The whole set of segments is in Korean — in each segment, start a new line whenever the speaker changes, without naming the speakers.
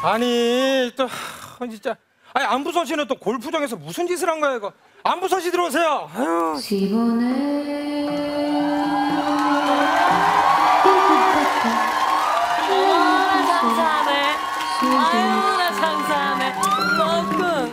아니 또 진짜 아니 안부선 씨는 또 골프장에서 무슨 짓을 한 거야 이거. 안부선 씨 들어오세요. 아유.
장사하네. 아유 나 장사하네. 덕분.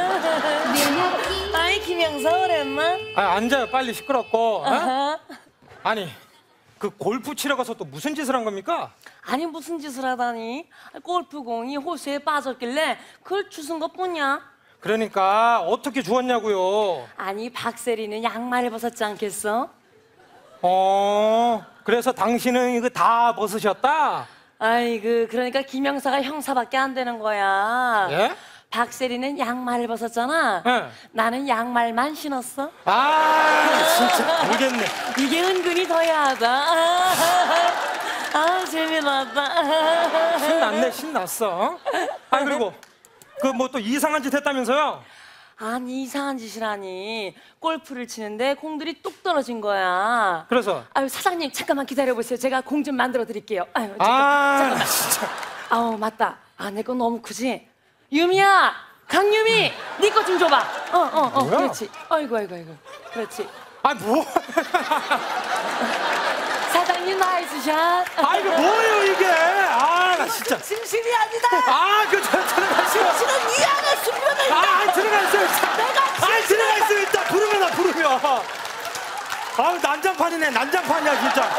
아이 김영사 오랜만.
아 앉아요 빨리 시끄럽고. 어? 아니 그 골프 치러 가서 또 무슨 짓을 한 겁니까?
아니 무슨 짓을 하다니. 골프공이 호수에 빠졌길래 그걸 주운 것뿐이야.
그러니까 어떻게 주웠냐고요.
아니 박세리는 양말을 벗었지 않겠어?
그래서 당신은 이거 다 벗으셨다?
아이고 그러니까 김영사가 형사밖에 안 되는 거야.
예?
박세리는 양말을 벗었잖아.
예.
나는 양말만 신었어.
아 진짜 모르겠네.
이게 은근히 더 야하다. 아 재미났다.
신났네 신났어. 아 그리고 그 뭐 또 이상한 짓 했다면서요?
아니 이상한 짓이라니. 골프를 치는데 공들이 뚝 떨어진 거야.
그래서?
아유 사장님 잠깐만 기다려보세요. 제가 공 좀 만들어 드릴게요. 아유
잠깐만. 진짜.
아우 맞다. 아 내 거 너무 크지? 유미야, 강유미, 네 거 좀 줘봐.
뭐야?
그렇지. 아이고, 그렇지.
아 뭐?
사장님 나이스샷.
아 이거 뭐예요 이게? 아 나 진짜.
진실이 아니다.
아 그 들어가시오.
진실은 이 안에 숨겨져 있다.
아 들어가 있어요.
내가
들어가 있어요 일단 부르면. 아유 난장판이네 난장판이야 진짜.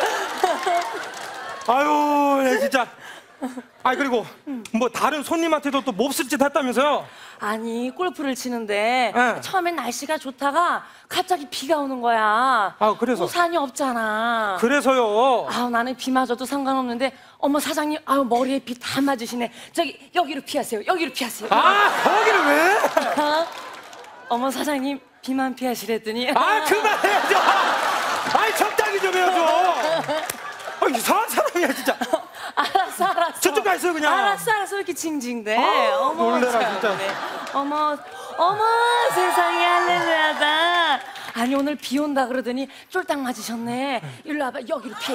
아유 내 진짜. 아 그리고 뭐 다른 손님한테도 또 몹쓸 짓 했다면서요?
아니 골프를 치는데
네.
처음엔 날씨가 좋다가 갑자기 비가 오는 거야.
아 그래서?
우산이 없잖아.
그래서요.
아우 나는 비 맞아도 상관없는데 어머 사장님 아우 머리에 비 다 맞으시네. 저기 여기로 피하세요. 여기로 피하세요.
아 거기를 왜?
어머 사장님 비만 피하시랬더니.
아 그만해야죠. 아이 적당히 좀 해야죠. 아 이상한 사람이야 진짜.
알았어.
저쪽 가 있어요 그냥.
알았어 이렇게 징징대.
아,
어머
놀래라
참네.
진짜.
어머 세상에 할렐루야다. 아니 오늘 비 온다 그러더니 쫄딱 맞으셨네. 일로 와봐 여기로 피해.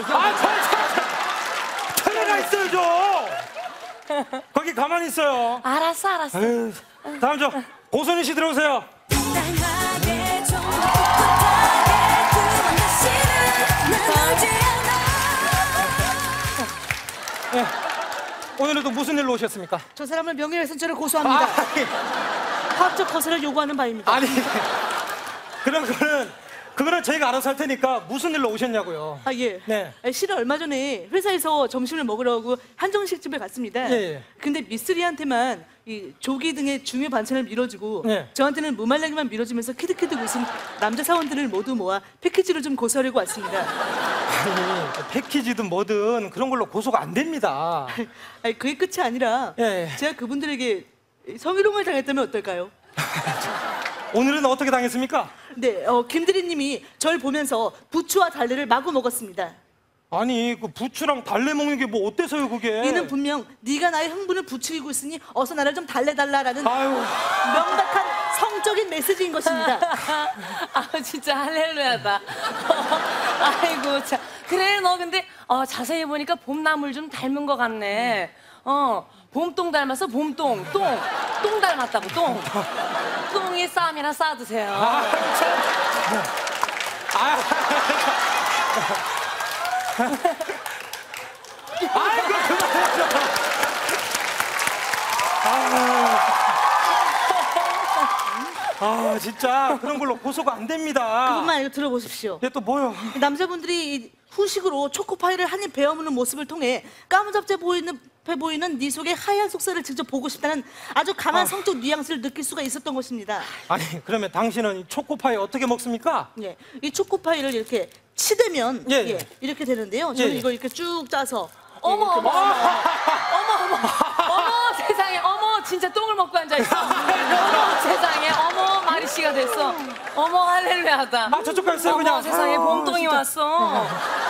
들어가 있어요 좀. 거기 가만히 있어요.
알았어.
에휴, 다음 저 고선희 씨 들어오세요. 네. 오늘은 또 무슨 일로 오셨습니까?
저 사람을 명예훼손죄로 고소합니다. 합적 거세를 요구하는 바입니다.
아니 그럼 그거는 저희가 알아서 할 테니까 무슨 일로 오셨냐고요.
아 예.
네.
실은 얼마 전에 회사에서 점심을 먹으려고 한정식집에 갔습니다.
예.
근데 미쓰리한테만 이 조기 등의 중요 반찬을 밀어주고
예.
저한테는 무말랭이만 밀어주면서 키득키득 웃은 남자 사원들을 모두 모아 패키지로 좀 고소하려고 왔습니다.
아니 패키지든 뭐든 그런 걸로 고소가 안 됩니다.
아니, 그게 끝이 아니라
예.
제가 그분들에게 성희롱을 당했다면 어떨까요?
오늘은 어떻게 당했습니까?
네, 김대리님이 절 보면서 부추와 달래를 마구 먹었습니다.
아니 그 부추랑 달래 먹는 게 뭐 어때서요 그게?
이는 분명 네가 나의 흥분을 부추기고 있으니 어서 나를 좀 달래달라라는
아유.
명백한 성적인 메시지인 것입니다.
아 진짜 할렐루야다. 아이고 참. 그래 너 근데 자세히 보니까 봄나물 좀 닮은 것 같네. 봄똥 닮아서 봄똥 똥 닮았다고 똥. 똥이 쌈이나 싸드세요.
아이고 그만해줘. 진짜 그런 걸로 고소가 안 됩니다.
그것만 아니고 들어보십시오.
이게 또 뭐요?
남자분들이 이 후식으로 초코파이를 한 입 베어무는 모습을 통해 까무잡해 보이는 네 속의 하얀 속살을 직접 보고 싶다는 아주 강한 성적 뉘앙스를 느낄 수가 있었던 것입니다.
아니 그러면 당신은 이 초코파이 어떻게 먹습니까?
예, 이 초코파이를 이렇게 치대면
예.
이렇게 되는데요. 저는
예.
이걸 이렇게 쭉 짜서
어머 세상에 어머 진짜 똥을 먹고 앉아 있어. 어머 세상에 어머 마리씨가 됐어. 어머 할렐루야다.
저쪽 가 있어요
어머
그냥.
세상에 봄똥이
진짜.
왔어.